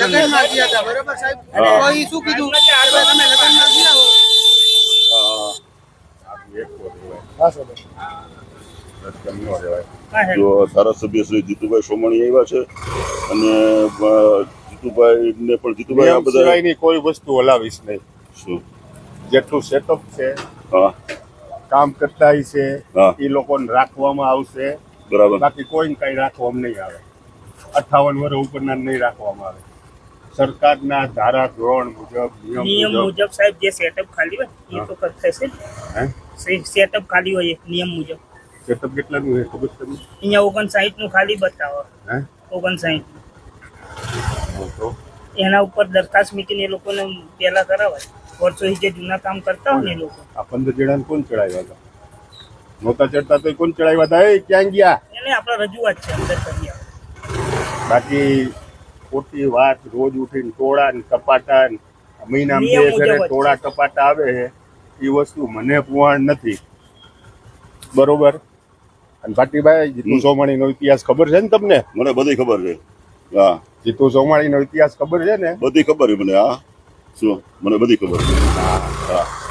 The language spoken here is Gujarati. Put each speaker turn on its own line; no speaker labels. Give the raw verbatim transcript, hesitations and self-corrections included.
લગ્નમાં ગયા હતા બરોબર સાહેબ તો ઈ શું કીધું કે આ તમે લગ્નમાં ગયા હો
જો ધારાસભ્ય શ્રી જીતુભાઈ સોમાણી આવ્યા છે અને જીતુભાઈ ને પણ જીતુભાઈ આ બધા
સિવાયની કોઈ વસ્તુ હલાવીશ નહીં.
શું
જેટલું સેટઅપ છે
હા
કામ કરતા છે
હા
એ લોકોને રાખવામાં આવશે.
બરાબર
બાકી કોઈને કઈ રાખવામાં નહીં આવે. અઠ્ઠાવન વર્ષ ઉપરના નહીં રાખવામાં આવે. સરકારના ધારા ધોરણ મુજબ
નિયમ
નિયમ મુજબ
મુજબ સાહેબ જે સેટઅપ ખાલી હોય એ તો થશે
હે
સેટઅપ ખાલી હોય નિયમ મુજબ.
સેટઅપ કેટલાનું છે ખબર છે તમને?
અહીંયા ઓગણસાઠ નું ખાલી બતાવો
હે
ઓગણસાઠ
તો
એના ઉપર દરખાસ્ત મૂકીને એ લોકોને પેલા કરાવાય. વર્ષોથી જે જૂના કામ કરતા હોય ને એ લોકો
આ પંદર જણાને કોણ ચડાવ્યા હતા? નહોતા ચડતા તો કોણ ચડાવ્યા હતા? એ ક્યાં ગયા?
એને આપણા રજૂઆત છે અંદર કરી આવે.
બાકી ખોટી વાત રોજ ઉઠીને ટોળા ને ટપાટા ને મહિના બે
નિયમ મુજબ
ઘરે
જ છે.
ટોળા ટપાટા આવે છે એ વસ્તુ મને પુવાણ નથી. બરોબર. અને ભાટીભાઈ જીતુ સોમાણીનો ઇતિહાસ ખબર છે ને તમને?
મને બધી ખબર છે. હા
જીતુ સોમાણીનો ઇતિહાસ ખબર છે ને?
બધી ખબર છે મને. હા શું મને બધી ખબર છે. હા હા